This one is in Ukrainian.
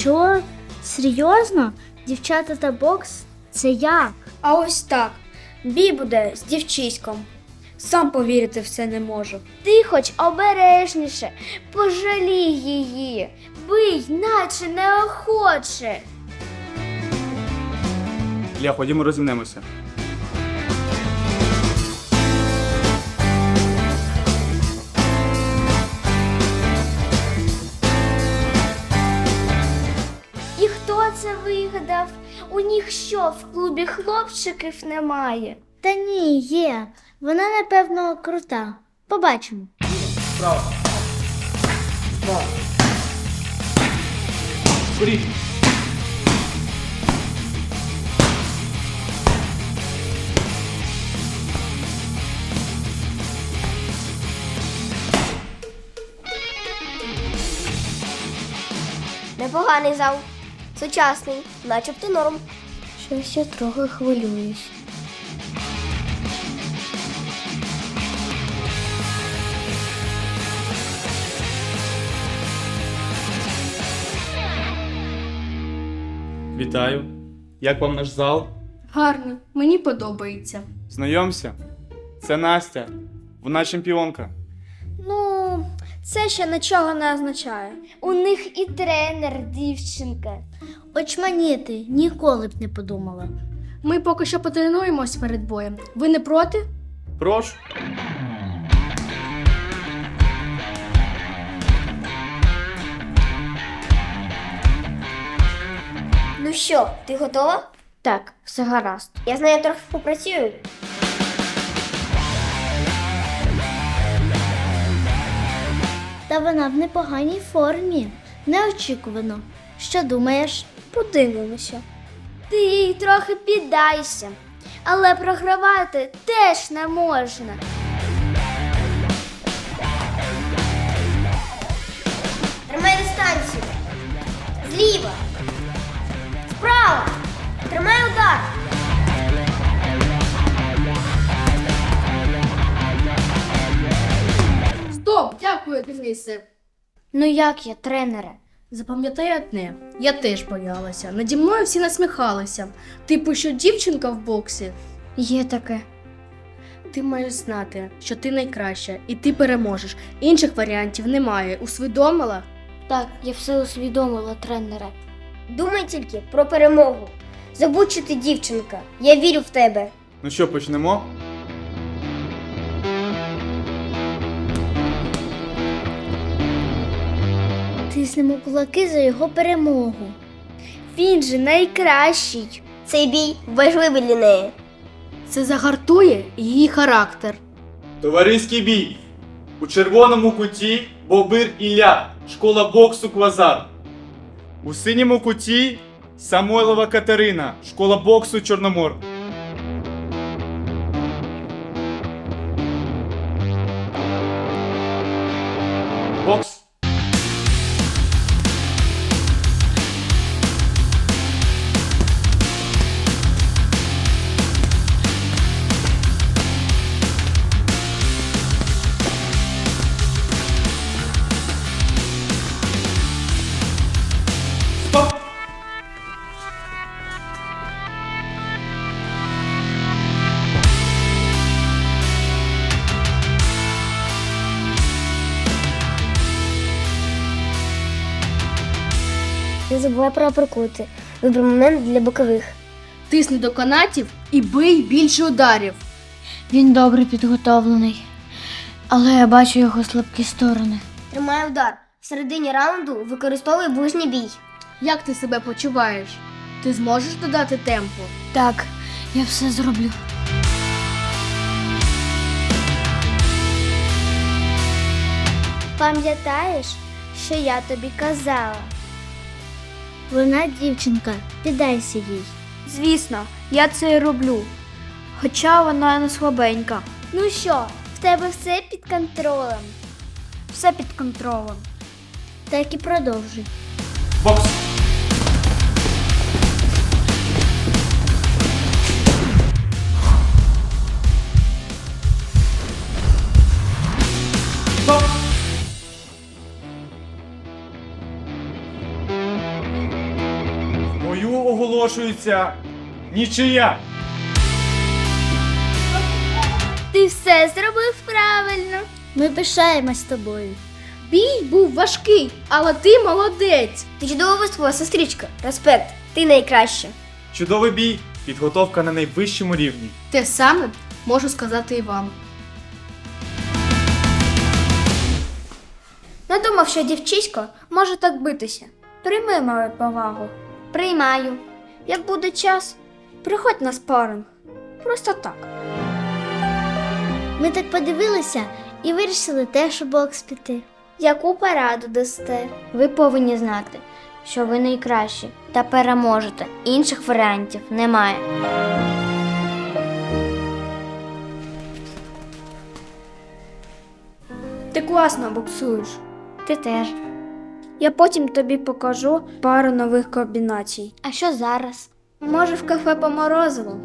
Що? Серйозно? Дівчата та бокс? Це як? А ось так. Бій буде з дівчиськом. Сам повірити в це не можу. Ти хоч обережніше, пожалій її, бий, наче неохоче. Ілля, ходімо розімнемося. І хто це вигадав? У них що, в клубі хлопчиків немає? Та ні, є. Вона, напевно, крута. Побачимо. Справа. Справа. Скоріше. Непоганий зал. Сучасний, начебто норм. Щось я трохи хвилююсь. Вітаю. Як вам наш зал? Гарно, мені подобається. Знайомся. Це Настя. Вона чемпіонка. Ну, це ще нічого не означає. У них і тренер, дівчинка. Очманіти, ніколи б не подумала. Ми поки що потренуємось перед боєм. Ви не проти? Прошу. Ну що, ти готова? Так, все гаразд. Я з нею трохи попрацюю. Та вона в непоганій формі. Неочікувано. Що думаєш? Подивимося. Ти їй трохи піддайся. Але програвати теж не можна. Тримай дистанцію. Зліва. Справа. Тримай удар. Стоп! Дякую, Денисе. Ну як я, тренере? Запам'ятай одне, я теж боялася. Наді мною всі насміхалися. Типу, що дівчинка в боксі. Є таке. Ти маєш знати, що ти найкраща, і ти переможеш. Інших варіантів немає. Усвідомила? Так, я все усвідомила, тренере. Думай тільки про перемогу. Забудь, що ти дівчинка. Я вірю в тебе. Ну що, почнемо? Тиснемо кулаки за його перемогу. Він же найкращий. Цей бій важливий для неї. Це загартує її характер. Товариський бій. У червоному куті Бобир Ілля, школа боксу Квазар. У синьому куті Самойлова Катерина, школа боксу Чорномор. Бокс. Стоп! Не забувай про априкоти. Вибір момент для бокових. Тисни до канатів і бий більше ударів. Він добре підготовлений. Але я бачу його слабкі сторони. Тримай удар. В середині раунду використовуй ближній бій. Як ти себе почуваєш? Ти зможеш додати темпу? Так, я все зроблю. Пам'ятаєш, що я тобі казала? Вона дівчинка, піддайся їй. Звісно, я це і роблю. Хоча вона не слабенька. Ну що, в тебе все під контролем? Все під контролем. Так і продовжуй. Бокс. Стоп. Бою оголошується нічия. Ти все зробив правильно. Ми пишаємось тобою. Бій був важкий, але ти молодець. Ти чудово виступила, сестричка. Респект, ти найкраща. Чудовий бій, підготовка на найвищому рівні. Те саме можу сказати і вам. Не думав, що дівчисько може так битися. Прийми мою повагу. Приймаю. Як буде час, приходь на спаринг. Просто так. Ми так подивилися і вирішили теж у бокс піти. Яку пораду дасте? Ви повинні знати, що ви найкращі та переможете. Інших варіантів немає. Ти класно боксуєш. Ти теж. Я потім тобі покажу пару нових комбінацій. А що зараз? Може, в кафе по морозиву?